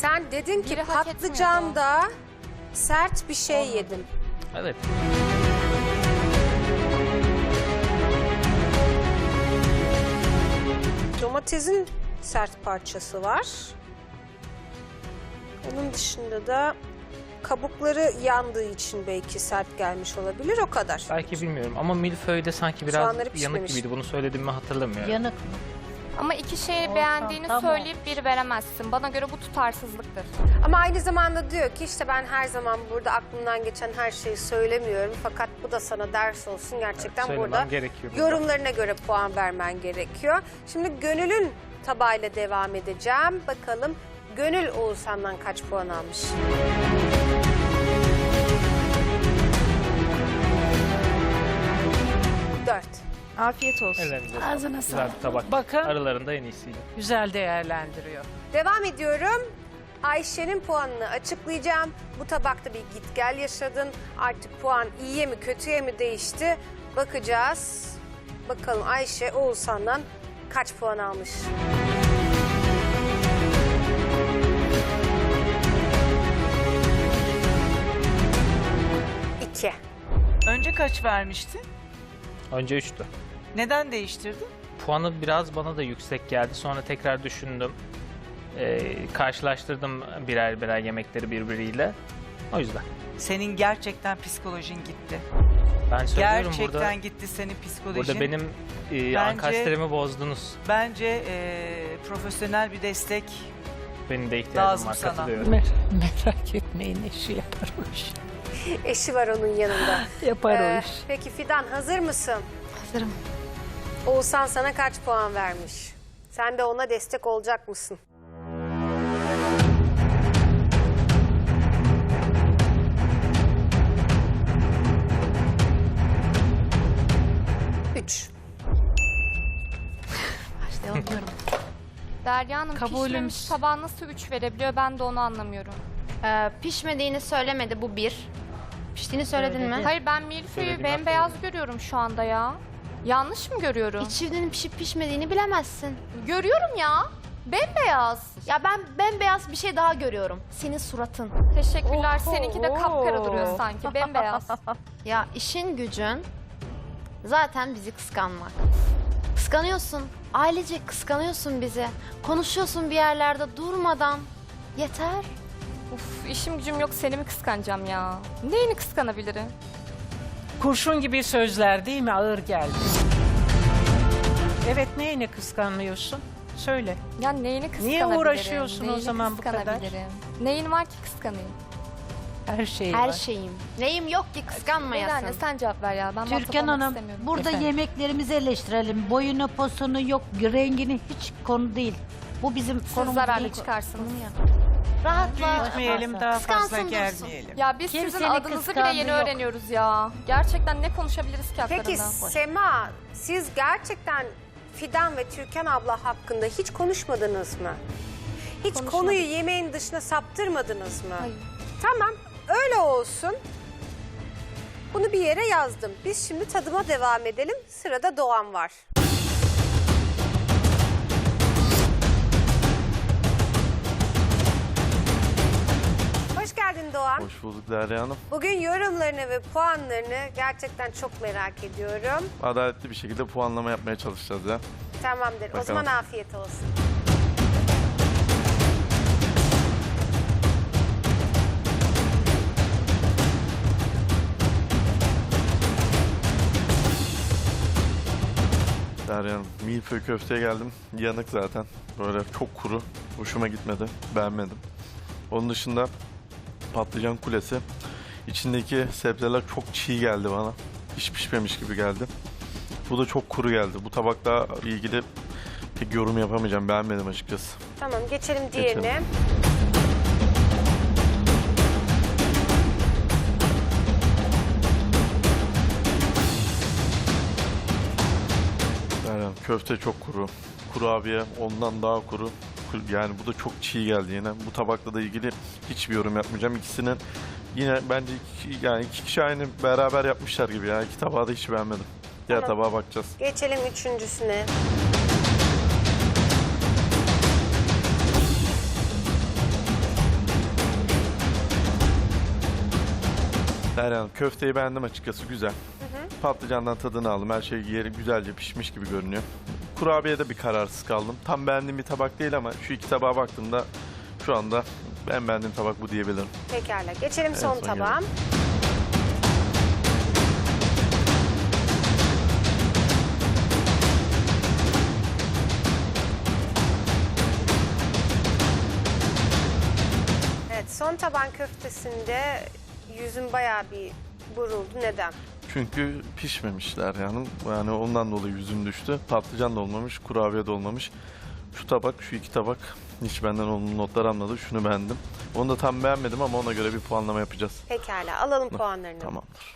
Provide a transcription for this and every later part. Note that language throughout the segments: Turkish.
Sen dedin ki Biri hak patlıcanda sert bir şey yedim. Evet. Domatesin sert parçası var. Onun dışında da kabukları yandığı için belki sert gelmiş olabilir, o kadar. Belki bilmiyorum ama milföyde sanki biraz Soğanları yanık pişmemiş. gibiydi. Bunu söyledim mi hatırlamıyorum. Yanık mı? Ama iki şeyi Olsun, beğendiğini tamam. söyleyip biri veremezsin. Bana göre bu tutarsızlıktır. Ama aynı zamanda diyor ki işte ben her zaman burada aklımdan geçen her şeyi söylemiyorum. Fakat bu da sana ders olsun. Gerçekten Söylemem burada gerekiyor. yorumlarına göre puan vermen gerekiyor. Şimdi Gönül'ün tabağıyla devam edeceğim. Bakalım Gönül Oğuzhan'dan kaç puan almış? Dört. Afiyet olsun. Ellerinize Ağzına sağlık. Güzel sağlık. bir tabak. Bakın. Aralarında en iyisiydi. Güzel değerlendiriyor. Devam ediyorum. Ayşe'nin puanını açıklayacağım. Bu tabakta bir git gel yaşadın. Artık puan iyiye mi kötüye mi değişti? Bakacağız. Bakalım Ayşe Oğuzhan'dan kaç puan almış? İki. Önce kaç vermiştin? Önce 3'tü. Neden değiştirdin? Puanı biraz bana da yüksek geldi. Sonra tekrar düşündüm. Karşılaştırdım birer birer yemekleri birbiriyle. O yüzden. Senin gerçekten psikolojin gitti. Ben söylüyorum Gerçekten burada. gitti senin psikolojin. Burada benim Bence- ankasтрemi bozdunuz. Bence profesyonel bir destek. Benim de ihtiyacım Lazım var, sana. katılıyorum. Merak etmeyin, eşi yapar o işi. Eşi var onun yanında. Yapar o iş. Peki Fidan, hazır mısın? Hazırım. Oğuzhan sana kaç puan vermiş? Sen de ona destek olacak mısın? Üç. Derya Hanım Kabulüm. pişmemiş tabağa nasıl 3 verebiliyor ben de onu anlamıyorum. Pişmediğini söylemedi, bu bir. Piştiğini söyledin mi? Hayır ben milföyü Söylediğimi bembeyaz hatırlıyorum. görüyorum şu anda ya. Yanlış mı görüyorum? İçinin pişip pişmediğini bilemezsin. Görüyorum ya. Bembeyaz. Ya ben bembeyaz bir şey daha görüyorum. Senin suratın. Teşekkürler. Oho. Seninki de kapkara duruyor sanki. Bembeyaz. Ya işin gücün zaten bizi kıskanmak. Kıskanıyorsun. Ailecek kıskanıyorsun bizi. Konuşuyorsun bir yerlerde durmadan. Yeter. Uf, işim gücüm yok seni mi kıskanacağım ya? Neyini kıskanabilirim? Kurşun gibi sözler değil mi? Ağır geldi. Evet, neyine kıskanmıyorsun? Söyle. Ya neyini kıskanabilirim? uğraşıyorsun o Neyini zaman bu kadar? kıskanabilirim? Neyin var ki kıskanayım? Her şey Her var. şeyim. Neyim yok ki kıskanmayasın. Anne sen cevap ver ya. Ben muhatap Türkan olmak Hanım, istemiyorum. burada Efendim? yemeklerimizi eleştirelim. Boyunu, posunu yok, rengini hiç konu değil. Bu bizim Siz konumuz zararlı değil. çıkarsınız. Rahatla. Gitmeyelim, daha fazla Kıskansın dursun. germeyelim. Ya biz Kimsenin sizin adınızı bile kıskandığı yeni yok. öğreniyoruz ya. Gerçekten ne konuşabiliriz ki hakkında? Peki Sema, siz gerçekten Fidan ve Türkan abla hakkında hiç konuşmadınız mı? Hiç Konuşmadık. konuyu yemeğin dışına saptırmadınız mı? Hayır. Tamam, öyle olsun. Bunu bir yere yazdım. Biz şimdi tadıma devam edelim. Sırada Doğan var. Hoş geldin Doğan. Hoş bulduk Derya Hanım. Bugün yorumlarını ve puanlarını gerçekten çok merak ediyorum. Adaletli bir şekilde puanlama yapmaya çalışacağız ya. Tamamdır. O Bakalım. zaman afiyet olsun. Derya Hanım, milföy köfteye geldim. Yanık zaten. Böyle çok kuru. Hoşuma gitmedi. Beğenmedim. Onun dışında patlıcan kulesi. İçindeki sebzeler çok çiğ geldi bana. Hiç pişmemiş gibi geldi. Bu da çok kuru geldi. Bu tabakla ilgili pek yorum yapamayacağım. Beğenmedim açıkçası. Tamam, geçelim diğerine. Yani köfte çok kuru. Kurabiye ondan daha kuru. Yani bu da çok çiğ geldi yine. Bu tabakla da ilgili hiçbir yorum yapmayacağım. İkisinin yine bence iki kişi aynı beraber yapmışlar gibi ya. İki tabağı da hiç beğenmedim. Diğer Tamam. tabağa bakacağız. Geçelim üçüncüsüne. Derya köfteyi beğendim açıkçası, güzel. Patlıcandan tadını aldım. Her şey yeri güzelce pişmiş gibi görünüyor. Kurabiyede bir kararsız kaldım. Tam beğendiğim bir tabak değil ama şu iki tabağa baktığımda şu anda en beğendiğim tabak bu diyebilirim. Pekala. Geçelim son son tabağa. Evet, son taban köftesinde yüzün bayağı bir buruldu. Neden? Çünkü pişmemişler yani. Yani ondan dolayı yüzüm düştü. Patlıcan da olmamış, kurabiye de olmamış. Şu tabak, şu iki tabak hiç benden onun notlar almadı. Şunu beğendim. Onu da tam beğenmedim ama ona göre bir puanlama yapacağız. Pekala. Alalım puanlarını. Tamamdır.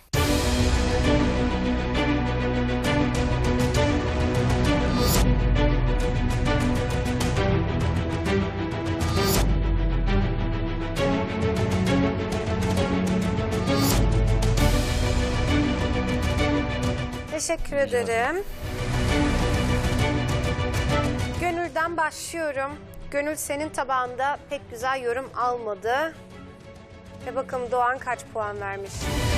Teşekkür ederim. Gönül'den başlıyorum. Gönül senin tabağında pek güzel yorum almadı. Ve bakalım Doğan kaç puan vermiş?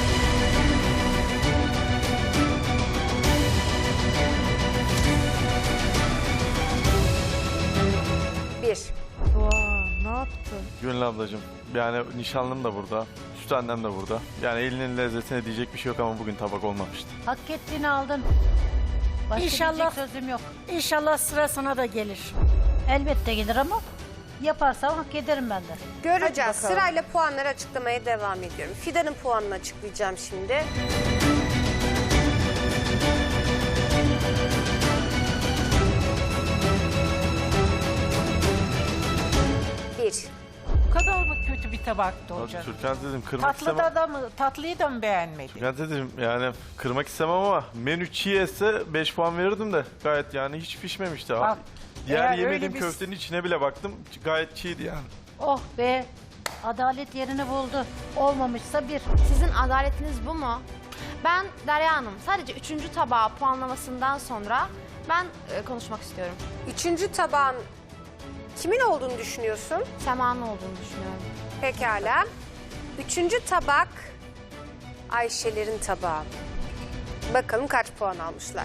Bir. Ne yaptın? Gönül ablacığım, yani nişanlım da burada, süt annem de burada. Yani elinin lezzetine diyecek bir şey yok ama bugün tabak olmamıştı. Hak ettiğini aldın. Başka İnşallah. diyecek sözüm yok. İnşallah sıra sana da gelir. Elbette gelir ama yaparsam hak ederim ben de. Göreceğiz. Sırayla puanları açıklamaya devam ediyorum. Fidan'ın puanını açıklayacağım şimdi. Bir. Bu kadar mı kötü bir tabaktı o canım? Türkan dedim kırmak istemem. Tatlıyı da mı beğenmedin? Türkan dedim yani kırmak istemem ama menü çiğ etse 5 puan verirdim de gayet yani hiç pişmemişti. Bak, Diğer eğer yemediğim öyle bir- köftenin içine bile baktım gayet çiğdi yani. Oh be. Adalet yerini buldu. Olmamışsa bir. Sizin adaletiniz bu mu? Ben Derya Hanım sadece 3. tabağı puanlamasından sonra ben konuşmak istiyorum. Üçüncü tabağın kimin olduğunu düşünüyorsun? Sema'nın olduğunu düşünüyorum. Pekala. Üçüncü tabak Ayşelerin tabağı. Bakalım kaç puan almışlar?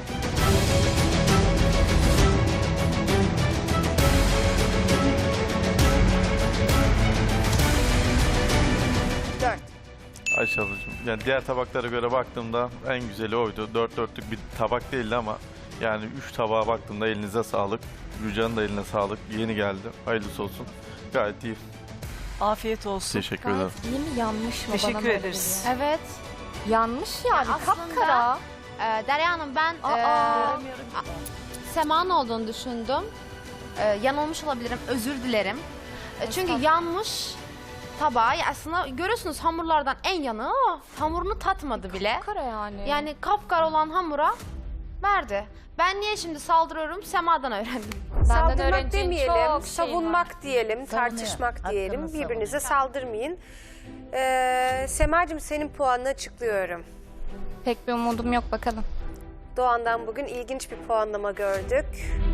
Dört. Ayşe ablacığım yani diğer tabaklara göre baktığımda en güzeli oydu. 4 dörtlük bir tabak değildi ama yani 3 tabağa baktığımda elinize sağlık. Gülcan'ın da eline sağlık. Yeni geldi. Hayırlısı olsun. Gayet iyi. Afiyet olsun. Teşekkür ederim. Gayet iyi mi yanlış mı? Teşekkür Bana böyle ederiz. geliyor. Evet. Yanlış yani. Ya aslında- Kapkara. Derya Hanım ben Sema'nın olduğunu düşündüm. Yanılmış olabilirim. Özür dilerim. Çünkü Estağfurullah. yanmış tabağı ya aslında görüyorsunuz hamurlardan en yanığı o. Hamurunu tatmadı bile. Kapkara yani. Yani kapkara olan hamura verdi. Ben niye şimdi saldırıyorum? Sema'dan öğrendim. Saldırmak öğreneceğin demeyelim, çok şey savunmak diyelim, Savunuyor, tartışmak diyelim. hakkını Birbirinize savunuyor. saldırmayın. Semacığım senin puanını açıklıyorum. Pek bir umudum yok bakalım. Doğan'dan bugün ilginç bir puanlama gördük.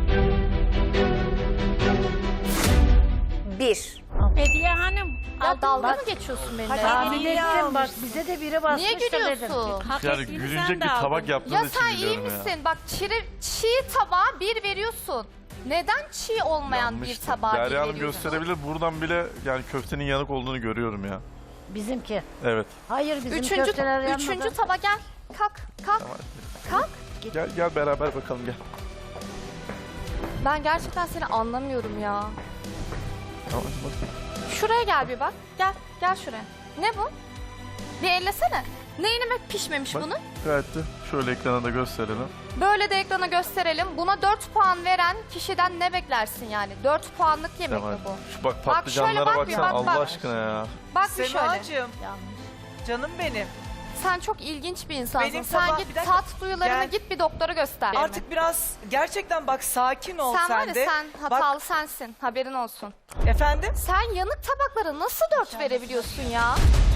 1. Hediye Hanım. Ya dalga mı geçiyorsun benimle? Tahmin biri ettim bak almış. bize de biri basmış Niye da dedim. gülüyorsun? Hak Yani ettiğini gülünecek sen de bir tabak aldın. yaptığınız Ya için sen iyi gülüyorum ya. misin? Bak çiğ tabağa bir veriyorsun. Neden çiğ olmayan bir Yanmıştı. tabağa bir Derya Hanım veriyorsun? gösterebilir. Buradan bile yani köftenin yanık olduğunu görüyorum ya. Bizimki. Evet. Hayır bizim köfteler yanmadı. Üçüncü taba gel. Kalk. Tamam. Kalk. Gel beraber bakalım gel. Ben gerçekten seni anlamıyorum ya. Tamam hadi bakalım. Şuraya gel bir bak. Gel şuraya. Ne bu? Bir ellesene. Neyine mi pişmemiş Bak. bunun? Gayet de şöyle ekrana da gösterelim. Böyle de ekrana gösterelim. Buna 4 puan veren kişiden ne beklersin yani? 4 puanlık yemek Tamam. mi bu? Şu bak şöyle patlıcanlara bak bir, baksana bak, Allah bak. aşkına ya. Bak bir şöyle. Semacığım, Yanlış. canım benim. Sen çok ilginç bir insansın. Benim Sen sabah- git bir dakika. tat duyularını Gel. git bir doktora göster. Artık biraz gerçekten bak sakin ol sen sen, var ya de. sen Bak, hatalı sensin. Haberin olsun. efendim? Sen yanık tabaklara nasıl 4 verebiliyorsun ya?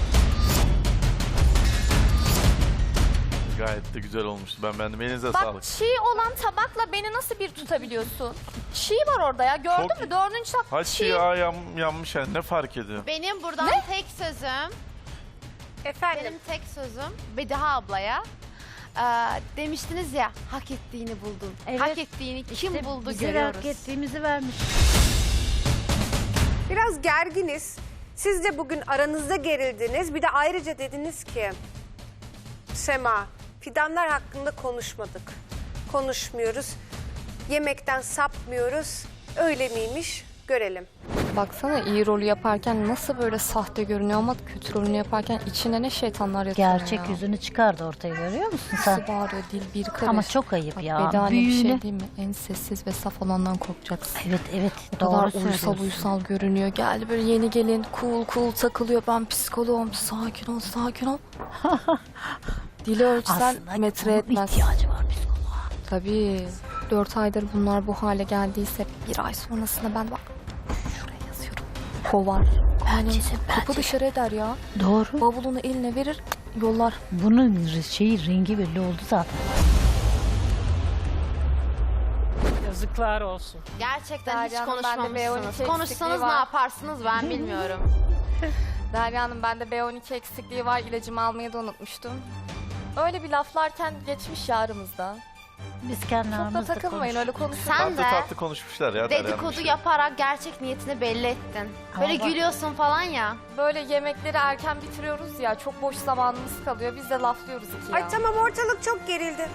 Gayet de güzel olmuştu. Ben beğendim. Elinize Bak sağlık. çiğ olan tabakla beni nasıl bir tutabiliyorsun? Çiğ var orada ya. Gördün Çok- mü? Dördüncü tabak Ha çiğ. çiğ yanmış yani ne fark ediyor? Benim buradan tek sözüm Efendim? Benim tek sözüm Bediha ablaya. Demiştiniz ya hak ettiğini buldun. Evet. Hak ettiğini kim İşte buldu bize görüyoruz. hak ettiğimizi vermiş. Biraz gerginiz. Siz de bugün aranızda gerildiniz. Bir de ayrıca dediniz ki Sema, fidanlar hakkında konuşmadık. Konuşmuyoruz. Yemekten sapmıyoruz. Öyle miymiş? Görelim. Baksana iyi rolü yaparken nasıl böyle sahte görünüyor ama kötü rolünü yaparken içine ne şeytanlar yatıyor Gerçek ya. yüzünü çıkardı ortaya, görüyor musun sen? Nasıl bağırıyor, dil bir karış. Ama çok ayıp Bak, ya. Bedane bir Büyüğünü. şey değil mi? En sessiz ve saf olandan korkacaksın. Evet evet, O doğru kadar söylüyorsun. uysal görünüyor. Geldi böyle yeni gelin cool takılıyor. Ben psikoloğum. Sakin ol. Dili ölçsen Aslında metre bunun etmez. ihtiyacı var psikoloğa. Tabii. 4 aydır bunlar bu hale geldiyse bir ay sonrasında ben bak şuraya yazıyorum. Kovar. Aynen. Kapı dışarı eder ya. Doğru. Bavulunu eline verir, yollar. Bunun rengi belli oldu zaten. Yazıklar olsun. Gerçekten hiç Derya Hanım, bende B12 konuşmamışsınız. eksikliği Konuşsanız var. ne yaparsınız ben bilmiyorum. Derya Hanım, bende B12 eksikliği var. İlacımı almayı da unutmuştum. Öyle bir laflarken geçmiş ya aramızda. Biz kendi Çok da aramızda takılmayın, öyle konuşun. Sen Tatlı de tatlı konuşmuşlar ya. Derya Hanım dedikodu işte. yaparak gerçek niyetini belli ettin. Böyle Ama bak- gülüyorsun falan ya. Böyle yemekleri erken bitiriyoruz ya, çok boş zamanımız kalıyor. Biz de laflıyoruz iki ya. Ay tamam, ortalık çok gerildi.